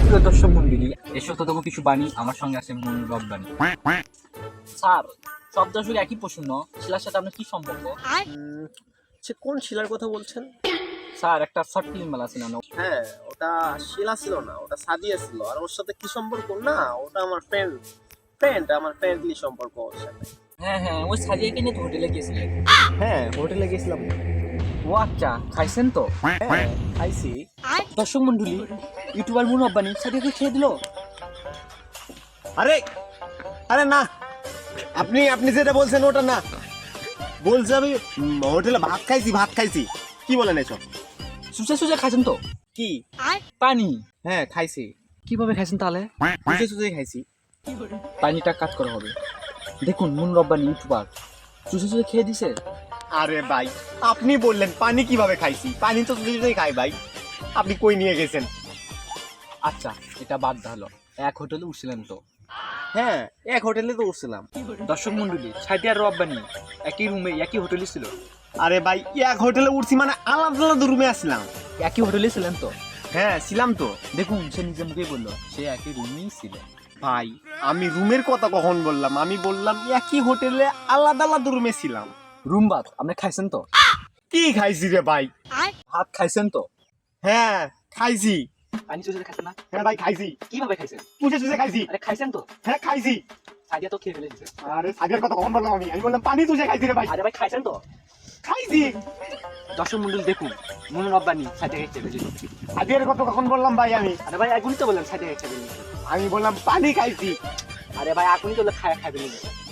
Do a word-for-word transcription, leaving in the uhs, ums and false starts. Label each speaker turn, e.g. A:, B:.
A: প্রিয় দর্শক মন্ডলী, এই সত্যতম কিছু বাণী আমার সঙ্গে আছে মূল রব্বানি। স্যার, সব দর্শক একই প্রশ্ন, শিলার সাথে আপনার কি সম্পর্ক?
B: উম, সে কোন শিলার কথা বলছেন?
A: স্যার, একটা শর্ট ফিল্ম মেলা ছিল না?
B: হ্যাঁ, ওটা শিলা ছিল না, ওটা সাদিয়া ছিল। আর ওর সাথে কি সম্পর্ক? না, ওটা আমার ফ্রেন্ড ফ্রেন্ড আমার ফ্রেন্ডলি সম্পর্ক ওর সাথে।
A: হ্যাঁ হ্যাঁ, ওই সাজিয়াকে নিয়ে তো হোটেলে গিয়েছিলেন।
B: হ্যাঁ, হোটেলে গেছিলাম।
A: ও আচ্ছা, খাইছেন তো?
B: হ্যাঁ, খাইছি।
A: দর্শক মন্ডলী, ইউটিউবার মূল রব্বানি সাজিয়াকে খেয়ে দিল।
B: আরে আরে না, আপনি আপনি যেটা বলছেন ওটা না। বলছি আমি উম, হোটেলে ভাত খাইছি ভাত খাইছি কি বলেন এসব?
A: সুজে সুজে খাইছেন তো?
B: কি?
A: পানি
B: হ্যাঁ, খাইছি।
A: কিভাবে খাইছেন তাহলে?
B: সুজে সুজে খাইছি।
A: পানিটা কাজ করা হবে। দেখুন, মূল রব্বানি ইউটিউবার সুজে সুজে খেয়ে দিছে।
B: আরে ভাই, আপনি বললেন পানি কিভাবে খাইছি, পানি তো সুজে সুজে খাই ভাই। আপনি কই নিয়ে গেছেন?
A: আচ্ছা, এটা বাদ হলো। এক হোটেলে উঠছিলেন তো?
B: হ্যাঁ, এক হোটেলে তো উঠছিলাম।
A: দর্শক মন্ডলী, সাদিয়া আর রব্বানি একই রুমে একই হোটেলে ছিল।
B: আরে ভাই, এক হোটেলে উঠছি মানে আলাদা আলাদা রুমে আসলাম।
A: একই হোটেলে ছিলেন তো?
B: হ্যাঁ, ছিলাম তো।
A: দেখুন, সে নিজে মুখেই বললো সে একই রুমেই ছিল।
B: ভাই, আমি রুমের কথা কখন বললাম? আমি বললাম একই হোটেলে আলাদা আলাদা রুমে ছিলাম।
A: রুম বাদ আপনি খাইছেন তো?
B: কি খাইছি রে ভাই?
A: ভাত খাইছেন তো?
B: হ্যাঁ, খাইছি।
A: পানি চুষে খাইছেন না?
B: হ্যাঁ ভাই, খাইছি।
A: কিভাবে খাইছেন?
B: চুষে চুষে খাইছি।
A: আরে খাইছেন তো?
B: হ্যাঁ, খাইছি।
A: সাদিয়া তো খেয়ে ফেলেছে।
B: আরে আগের কথা কখন বললাম? আমি আমি বললাম পানি চুষে খাইছি রে ভাই।
A: আরে ভাই, খাইছেন তো?
B: খাইছি।
A: দর্শক মন্ডলী, দেখুন, মূল রব্বানি সাদিয়াকে খেয়ে ফেলেছে।
B: আগের কথা কখন বললাম ভাই? আমি
A: আরে ভাই, এখনই তো বললাম সাদিয়াকে খেয়ে ফেলেছে।
B: আমি বললাম পানি খাইছি।
A: আরে ভাই, এখনই তো খায় খাই ফেলেছে।